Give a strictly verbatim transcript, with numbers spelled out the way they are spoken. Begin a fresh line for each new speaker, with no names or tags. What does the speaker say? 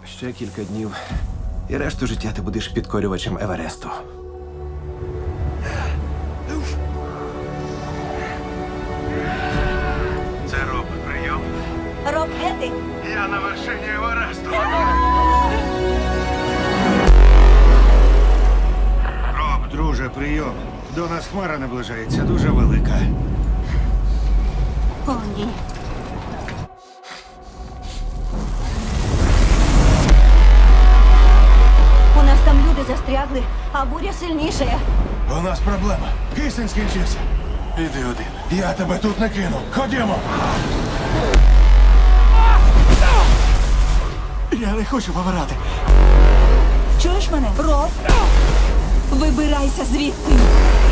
Ще кілька днів, і решту життя ти будеш підкорювачем Евересту.
Це Роб, прийом.
Роб Гетти,
Я на вершині Евересту. Роб, друже, прийом. До нас хмара наближається, дуже велика.
о ні. У нас там люди застрягли, а буря сильніша.
У нас проблема. Кисень скінчився.
Іди один.
Я тебе тут не кину. Ходімо.
Я не хочу помирати.
Чуєш мене? Роб? Вибирайся звідти.